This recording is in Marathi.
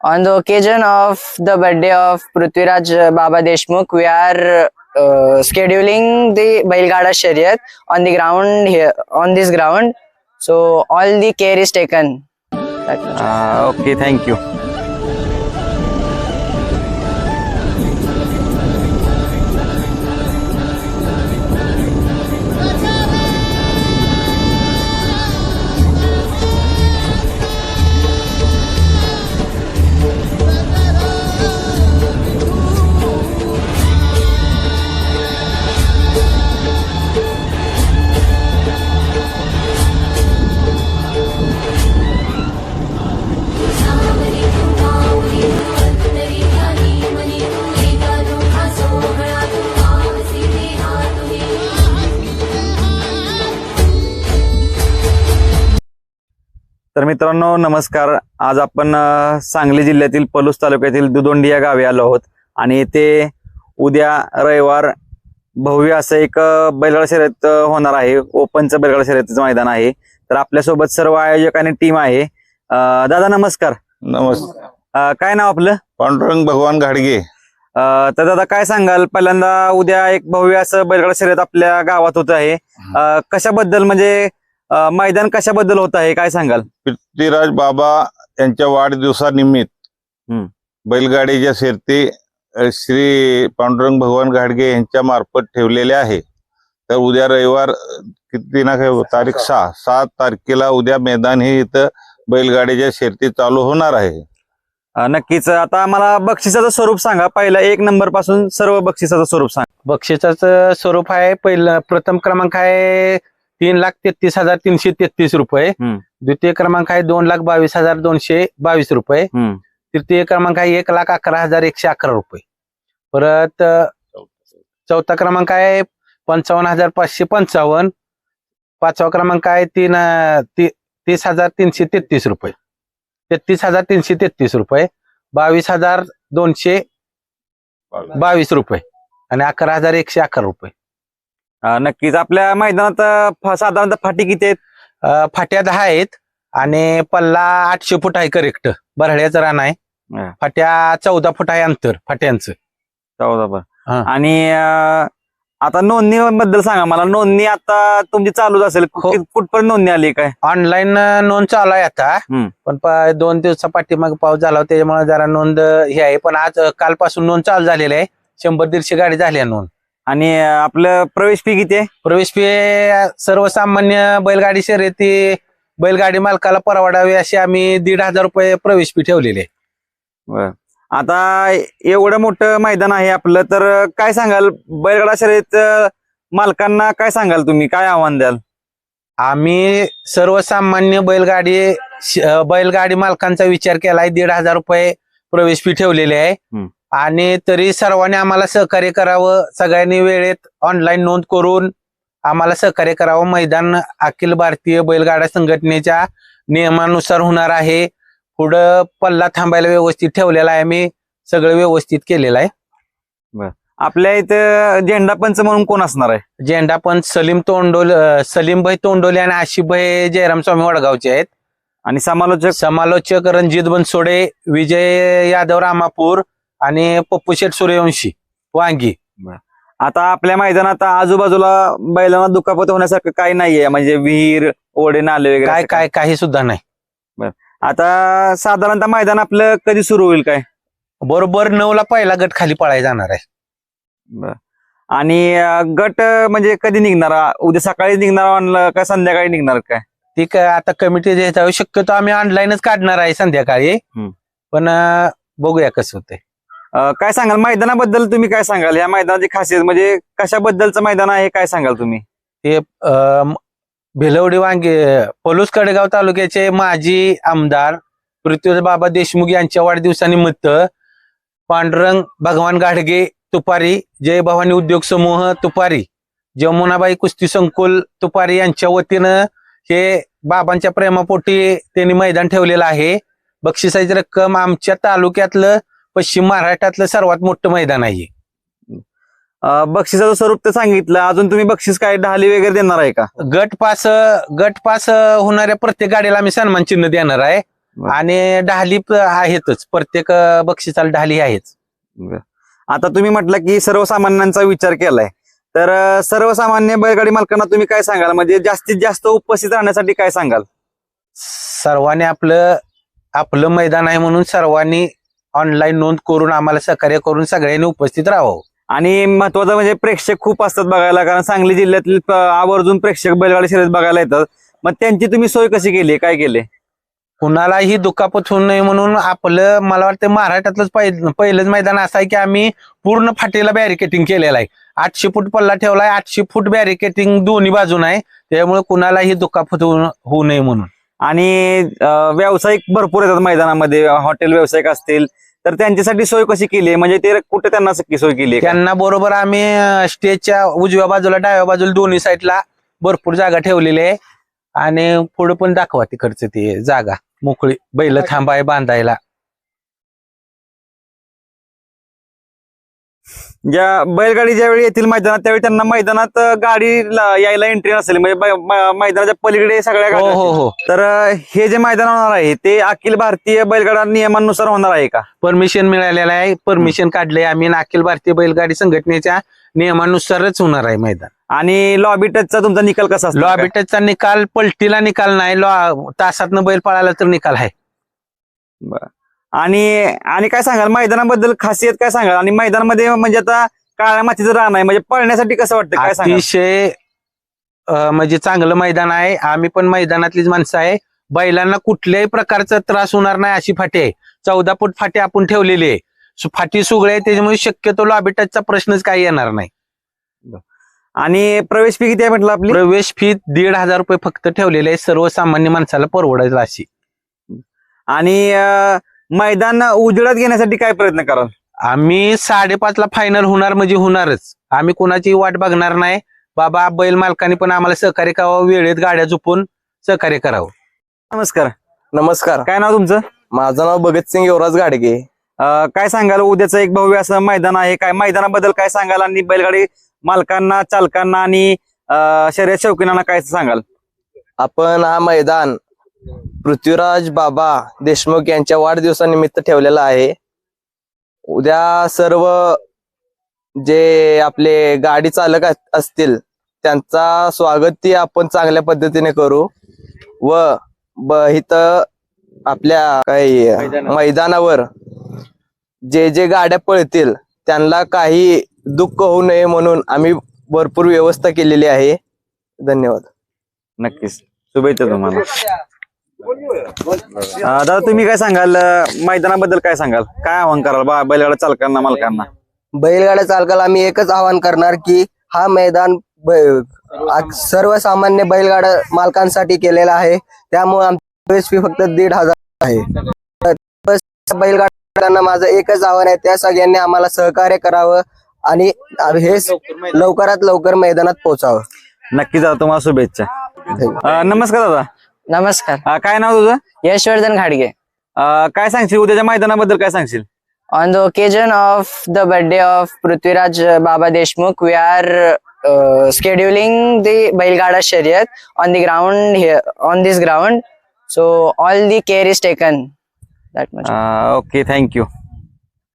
On the occasion of the birthday of Prithviraj Baba Deshmukh, we are scheduling the Bailgada Shariyat on the ground here, on this ground. So all the care is taken. Okay, thank you. तर मित्रांनो नमस्कार. आज आपण सांगली जिल्ह्यातील पलूस तालुक्यातील दुदोंडी या गावी आलो आहोत आणि येथे उद्या रविवार भव्य असं एक बैलगाडा शर्यत होणार आहे. ओपनचं बैलगाडा शर्यतीचं मैदान आहे. तर आपल्यासोबत सर्व आयोजक आणि टीम आहे. दादा नमस्कार. नमस्कार. काय नाव आपलं? पांडुरंग भगवान घाडगे. तर दादा काय सांगाल, पहिल्यांदा उद्या एक भव्य असं बैलगाडा शर्यत आपल्या गावात होत आहे. कशाबद्दल म्हणजे मैदान कशाबद्दल होत आहे काय सांगाल? पृथ्वीराज बाबा यांच्या वाढदिवसानिमित्त बैलगाडीच्या शर्यती श्री पांडुरंग भगवान घाडगे यांच्या मार्फत ठेवलेल्या आहे. तर उद्या रविवार किती ना तारीख 7 तारखेला उद्या मैदान हे इथं बैलगाडीच्या शर्यती चालू होणार आहे. नक्कीच. आता आम्हाला बक्षिसाचं स्वरूप सांगा. पहिला 1 नंबर पासून सर्व बक्षिसाचं स्वरूप सांगा. बक्षिसाचं स्वरूप आहे. पहिलं प्रथम क्रमांक आहे 3,33,333 रुपये. द्वितीय क्रमांक आहे 2,22,222 रुपये. तृतीय क्रमांक आहे 1,11,111 रुपये. परत चौथा क्रमांक आहे 55,555. पाचवा क्रमांक आहे 30,333 रुपये. 33,333 रुपये. 22,222 रुपये आणि 11,111 रुपये. नक्कीच. आपल्या मैदानात साधारणतः फाटी किती आहेत? फाट्या 10 आहेत आणि पल्ला 800 फूट आहे करेक्ट. बरड्याचं रान आहे. फाट्या 14 फूट आहे अंतर फाट्यांचं. 14. आणि आता नोंदणी बद्दल सांगा मला. नोंदणी आता तुमची चालूच असेल. कुठपर्यंत नोंदणी आली काय? ऑनलाईन नोंद चालू आहे आता. पण 2 दिवसा पाठीमाग पाऊस झाला होता त्याच्यामुळे जरा नोंद हे आहे. पण आज कालपासून नोंद चालू झालेली आहे. 100-150 गाडी झाली आहे नोंद. आणि आपलं प्रवेश फी किती आहे? प्रवेश फी सर्वसामान्य बैलगाडी शर्यती बैलगाडी मालकाला परवडावी अशी आम्ही 1,500 रुपये प्रवेश फी ठेवलेली आहे. आता एवढं मोठं मैदान आहे आपलं, तर काय सांगाल बैलगाडा शर्यत मालकांना? काय सांगाल तुम्ही? काय आव्हान द्याल? आम्ही सर्वसामान्य बैलगाडी मालकांचा विचार केलाय. 1,500 रुपये प्रवेश फी ठेवलेली आहे. आणि तरी सर्वांनी आम्हाला सहकार्य करावं. सगळ्यांनी वेळेत ऑनलाईन नोंद करून आम्हाला सहकार्य करावं. मैदान अखिल भारतीय बैलगाडा संघटनेच्या नियमानुसार होणार आहे. पुढं पल्ला थांबायला व्यवस्थित ठेवलेला आहे. आम्ही सगळं व्यवस्थित केलेलं आहे. आपल्या इथं झेंडा पंच म्हणून कोण असणार आहे? झेंडा पंच सलीमभाई तोंडोले आणि आशिफभाई जयराम स्वामी वडगावचे आहेत. आणि समालोचक रणजित बनसोडे, विजय यादव रामापूर आणि पप्पू शेठ सूर्यवंशी वांगी. आता आपल्या मैदानात आजूबाजूला बैलांना दुखापत होण्यासारखं काही नाहीये, म्हणजे विहीर, ओढे, नाले वगैरे काही सुद्धा नाही. आता साधारणतः मैदान आपलं कधी सुरू होईल काय? बरोबर 9ला पहिला गट खाली पळायला जाणार आहे. आणि गट म्हणजे कधी निघणार? उद्या सकाळी निघणार का संध्याकाळी निघणार काय? ती काय आता कमिटी द्यायचा. शक्यतो आम्ही ऑनलाईनच काढणार आहे संध्याकाळी. पण बघूया कसं होतंय. काय सांगाल मैदानाबद्दल? तुम्ही काय सांगाल या मैदानाची खासियत? म्हणजे कशाबद्दलचं मैदान आहे काय सांगाल तुम्ही? ते भिलवडी वांगे पलूस कडेगाव तालुक्याचे माजी आमदार पृथ्वीराज बाबा देशमुख यांच्या वाढदिवसानिमित्त पांडुरंग भगवान घाडगे तुपारी, जय भवानी उद्योग समूह तुपारी, जमुनाबाई कुस्ती संकुल तुपारी यांच्या वतीनं हे बाबांच्या प्रेमापोटी त्यांनी मैदान ठेवलेलं आहे. बक्षिसाची रक्कम आमच्या तालुक्यातलं पश्चिम महाराष्ट्रातलं सर्वात मोठं मैदान आहे. बक्षिसाचं स्वरूप तर सांगितलं. अजून तुम्ही बक्षीस काय ढाली वगैरे देणार आहे का? गट पास होणाऱ्या प्रत्येक गाडीला आम्ही सन्मान चिन्ह देणार आहे. बरं. आणि ढाली आहेतच, प्रत्येक बक्षिसाला ढाली आहेच. आता तुम्ही म्हटलं की सर्वसामान्यांचा विचार केलाय, तर सर्वसामान्य बैलगाडी मालकांना तुम्ही काय सांगाल, म्हणजे जास्तीत जास्त उपस्थित राहण्यासाठी काय सांगाल? सर्वांनी आपलं आपलं मैदान आहे म्हणून सर्वांनी ऑनलाईन नोंद करून आम्हाला सहकार्य करून सगळ्यांनी उपस्थित राहावं. आणि महत्वाचं म्हणजे प्रेक्षक खूप असतात बघायला, कारण सांगली जिल्ह्यातील आवर्जून प्रेक्षक बैलगाडी शर्यत बघायला येतात. मग त्यांची तुम्ही सोय कशी केली, काय केले? कुणालाही दुखापत होऊ नये म्हणून आपलं, मला वाटतं महाराष्ट्रातलंच पहिलंच मैदान असं आहे की आम्ही पूर्ण फाटीला बॅरिकेटिंग केलेलं आहे. 800 फूट पल्ला ठेवलाय, 800 फूट बॅरिकेटिंग दोन्ही बाजून आहे, त्यामुळे कुणालाही दुखापत होऊ नये म्हणून. आणि व्यावसायिक भरपूर येतात मैदानामध्ये, हॉटेल व्यावसायिक असतील, तर त्यांच्यासाठी सोय कशी केली आहे, म्हणजे ते कुठे त्यांना सोय केली आहे? त्यांना बरोबर आम्ही स्टेजच्या उजव्या बाजूला डाव्या बाजूला दोन्ही साईडला भरपूर जागा ठेवलेली आहे. आणि पुढे पण दाखवा तिकडचं ती जागा मोकळी बैल थांबाय बांधायला. ज्या बैलगाडी ज्यावेळी येतील मैदानात त्यावेळी त्यांना मैदानात गाडी यायला एंट्री नसेल, म्हणजे मैदानाच्या पलीकडे सगळ्या हो गाड्या हो असतील. हो, तर हे जे मैदान होणार आहे ते अखिल भारतीय बैलगाडा नियमानुसार होणार आहे का? परमिशन मिळालेलं आहे, परमिशन काढले आम्ही अखिल भारतीय बैलगाडी संघटनेच्या नियमानुसारच होणार आहे मैदान. आणि लॉबी टचचा तुमचा निकाल कसा असतो? लॉबी टचचा निकाल, पलटीला निकाल नाही, तासातनं बैल पळाला तर निकाल आहे. आणि काय सांगाल मैदानाबद्दल, खासियत काय सांगाल? आणि मैदानामध्ये म्हणजे आता काळ्या मातीचं रान आहे, म्हणजे पळण्यासाठी कसं वाटतं, काय सांगाल? अतिशय म्हणजे चांगलं मैदान आहे. आम्ही पण मैदानातलीच माणसं आहे. बैलांना कुठल्याही प्रकारचा त्रास होणार नाही अशी फाटी आहे. 14 फूट फाटी आपण ठेवलेली आहे. फाटी सुगळे आहे, त्याच्यामुळे शक्यतो लॉबी टचचा प्रश्नच काही येणार नाही. आणि प्रवेश फी किती आहे म्हटलं आपली? प्रवेश फी 1,500 रुपये फक्त ठेवलेले आहे, सर्वसामान्य माणसाला परवडायला अशी. आणि मैदान उजेडात घेण्यासाठी काय प्रयत्न कराल? आम्ही 5:30ला फायनल होणार म्हणजे होणारच. आम्ही कोणाची वाट बघणार नाही. बाबा बैल मालकांनी पण आम्हाला सहकार्य करावं, वेळेत गाड्या झोपून सहकार्य करावं. नमस्कार. नमस्कार, काय नाव तुमचं? माझं नाव भगतसिंग युवराज गाडगे. काय सांगाल, उद्याचं एक भव्य असं मैदान आहे, काय मैदानाबद्दल काय सांगाल? आणि बैलगाडी मालकांना, चालकांना आणि शर्यत शौकीनांना काय सांगाल? आपण हा मैदान पृथ्वीराज बाबा देशमुख यांच्या वाढदिवसानिमित्त ठेवलेला आहे. उद्या सर्व जे आपले गाडी चालक असतील त्यांचा स्वागत आपण चांगल्या पद्धतीने करू व इथं आपल्या काही मैदानावर जे गाड्या पळतील त्यांना काही दुःख होऊ नये म्हणून आम्ही भरपूर व्यवस्था केलेली आहे. धन्यवाद. नक्कीच, शुभेच्छा तुम्हाला. दादा तुम्ही काय सांगाल, मैदानाबद्दल काय सांगाल, काय आव्हान कराल बैलगाडा चालकांना, मालकांना? बैलगाड्या चालकाला आम्ही एकच आवाहन करणार की हा मैदान सर्वसामान्य बैलगाडा मालकांसाठी केलेला आहे, त्यामुळे आमची प्रवेश फी फक्त 1,500 आहे. बैलगाड्यांना माझं एकच आव्हान आहे, त्या सगळ्यांनी आम्हाला सहकार्य करावं आणि हे लवकरात लवकर मैदानात पोहोचावं. नक्कीच दादा, तुम्हाला शुभेच्छा. नमस्कार दादा. नमस्कार. काय नाव तुझं? यशवर्धन घाडगे. काय सांगशील उद्याच्या मैदानाबद्दल, काय सांगशील? On the occasion of the birthday of Prithviraj Baba Deshmukh, we are scheduling the Bailgada Shariyat on the ground here, on this ground. So all the care is taken. That much. Okay, thank you.